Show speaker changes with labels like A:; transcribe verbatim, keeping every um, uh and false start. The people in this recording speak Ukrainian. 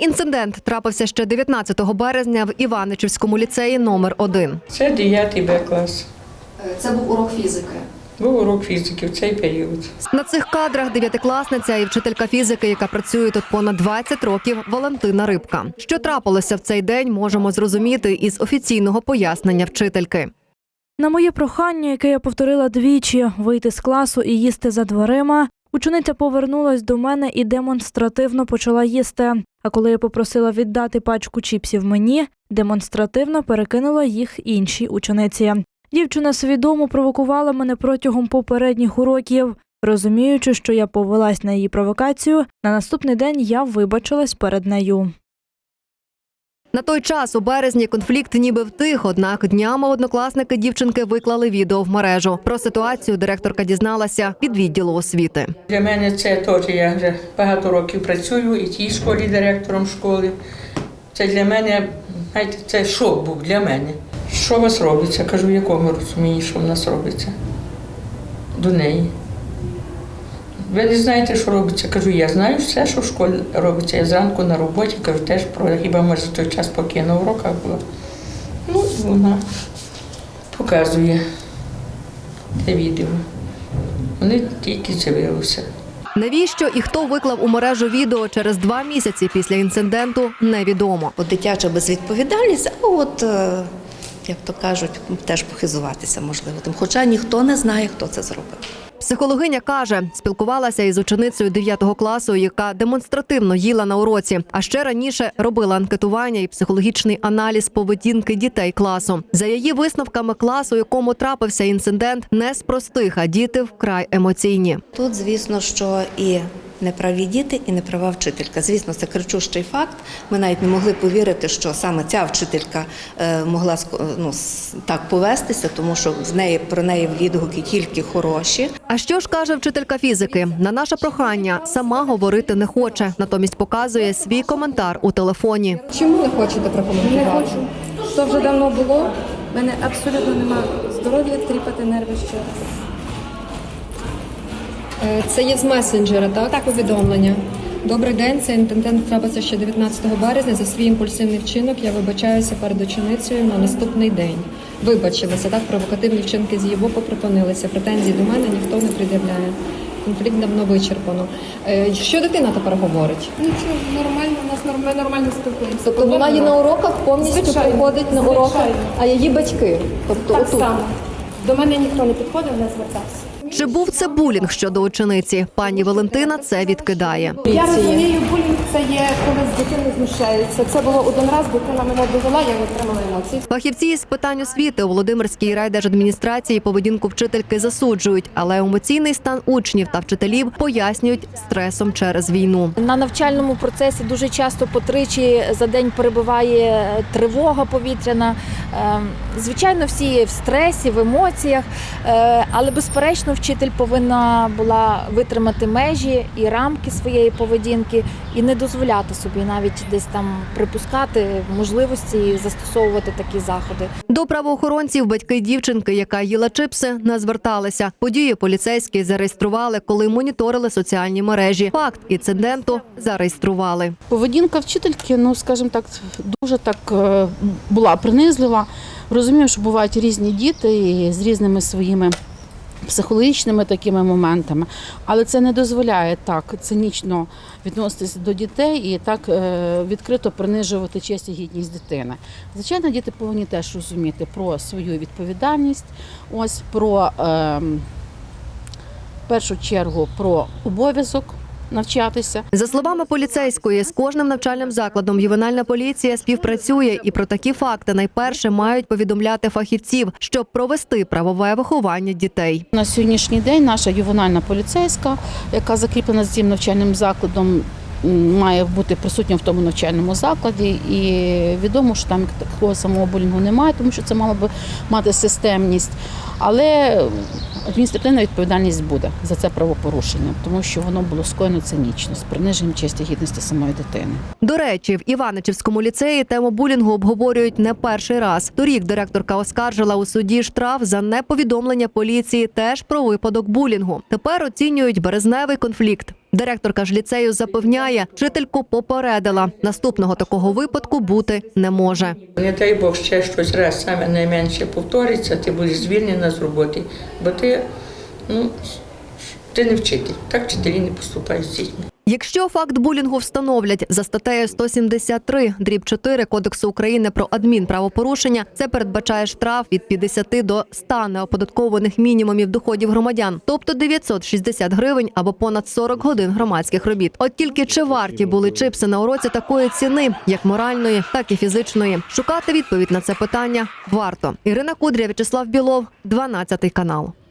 A: інцидент трапився ще дев'ятнадцятого березня в Іваничівському ліцеї номер один.
B: Це дев'ятий Б клас.
A: Це був урок фізики.
B: Був урок фізики в цей період.
A: На цих кадрах дев'ятикласниця і вчителька фізики, яка працює тут понад двадцять років, Валентина Рибка. Що трапилося в цей день, можемо зрозуміти із офіційного пояснення вчительки.
C: На моє прохання, яке я повторила двічі – вийти з класу і їсти за дверима, учениця повернулась до мене і демонстративно почала їсти. А коли я попросила віддати пачку чіпсів мені, демонстративно перекинула їх іншій учениці. Дівчина свідомо провокувала мене протягом попередніх уроків. Розуміючи, що я повелась на її провокацію, на наступний день я вибачилась перед нею.
A: На той час у березні конфлікт ніби втих, однак днями однокласники дівчинки виклали відео в мережу. Про ситуацію директорка дізналася від відділу освіти.
B: Для мене це теж, я вже багато років працюю і в тій школі директором школи. Це для мене, знаєте, це шок був для мене. Що у вас робиться? Кажу, в якому розумінні, що в нас робиться до неї. Ви не знаєте, що робиться? Кажу, я знаю все, що в школі робиться. Я зранку на роботі, кажу, теж про, хіба може той час, поки я на уроках була. Ну, вона показує те відео. Вони тільки з'явилися.
A: Навіщо і хто виклав у мережу відео через два місяці після інциденту, невідомо.
D: От дитяча безвідповідальність, а от, е, як то кажуть, теж похизуватися можливо тим. Хоча ніхто не знає, хто це зробив.
A: Психологиня каже, спілкувалася із ученицею дев'ятого класу, яка демонстративно їла на уроці, а ще раніше робила анкетування і психологічний аналіз поведінки дітей класу. За її висновками, клас, у якому трапився інцидент, не з простих, а діти вкрай емоційні.
D: Тут, звісно, що і неправі діти, і неправа вчителька. Звісно, це кричущий факт. Ми навіть не могли повірити, що саме ця вчителька е, могла ну, так повестися, тому що в неї, про неї відгуки тільки хороші.
A: А що ж каже вчителька фізики? На наше прохання сама говорити не хоче, натомість показує свій коментар у телефоні.
E: Чому не хочете прокоментувати?
F: Не хочу. То вже давно було. У мене абсолютно немає здоров'я тріпати нерви ще.
E: Е, Це є з месенджера, так? Так. Повідомлення. Добрий день, цей інцидент трапився ще дев'ятнадцятого березня. За свій імпульсивний вчинок я вибачаюся перед ученицею на наступний день. Вибачилася, так? Провокативні вчинки з її боку припинилися. Претензій до мене ніхто не пред'являє. Конфлікт давно вичерпано. Е, Що дитина тепер говорить?
F: Нічого, нормально, у нас нормально, нормально спілкуємося.
E: Тобто вона є на уроках, повністю
F: Звичайно.
E: приходить на уроки,
F: Звичайно.
E: а її батьки? Тобто
F: Так
E: отут.
F: само. До мене ніхто не підходив, не звертався.
A: Чи був це булінг щодо учениці? Пані Валентина це відкидає.
F: Я розумію, булінг це є, коли з дитини знущаються. Це було один раз, дитина мене довела, я отримала емоції.
A: Фахівці із питань освіти у Володимирській райдержадміністрації поведінку вчительки засуджують, але емоційний стан учнів та вчителів пояснюють стресом через війну.
G: На навчальному процесі дуже часто по тричі за день перебуває тривога повітряна. Звичайно, всі в стресі, в емоціях, але безперечно вчитель повинна була витримати межі і рамки своєї поведінки і не дозволяти собі навіть десь там припускати можливості і застосовувати такі заходи.
A: До правоохоронців батьки дівчинки, яка їла чипси, не зверталися. Події поліцейські зареєстрували, коли моніторили соціальні мережі. Факт інциденту зареєстрували.
H: Поведінка вчительки, ну, скажімо так, дуже так е, була принизлива. Розумію, що бувають різні діти і з різними своїми психологічними такими моментами, але це не дозволяє так цинічно відноситися до дітей і так е, відкрито принижувати честь і гідність дитини. Звичайно, діти повинні теж розуміти про свою відповідальність, ось про, е, в першу чергу, про обов'язок навчатися.
A: За словами поліцейської, з кожним навчальним закладом ювенальна поліція співпрацює і про такі факти найперше мають повідомляти фахівців, щоб провести правове виховання дітей.
H: На сьогоднішній день наша ювенальна поліцейська, яка закріплена з цим навчальним закладом, має бути присутня в тому навчальному закладі, і відомо, що там такого самого булінгу немає, тому що це мало би мати системність, але адміністративна відповідальність буде за це правопорушення, тому що воно було скоєно цинічно, з приниженням честі і гідності самої дитини.
A: До речі, в Іваничівському ліцеї тему булінгу обговорюють не перший раз. Торік директорка оскаржила у суді штраф за неповідомлення поліції теж про випадок булінгу. Тепер оцінюють березневий конфлікт. Директорка ж ліцею запевняє, вчительку попередила. Наступного такого випадку бути не може.
B: Не дай Бог ще щось раз саме найменше повториться, ти будеш звільнена з роботи, бо ти, ну, ти не вчитель. Так вчителі не поступають з дітьми.
A: Якщо факт булінгу встановлять за статтею сто сімдесят три дріб чотири Кодексу України про адмінправопорушення, це передбачає штраф від п'ятдесят до ста неоподаткованих мінімумів доходів громадян, тобто дев'ятсот шістдесят гривень або понад сорок годин громадських робіт. От тільки чи варті були чипси на уроці такої ціни, як моральної, так і фізичної? Шукати відповідь на це питання варто. Ірина Кудря, В'ячеслав Білов, дванадцятий канал.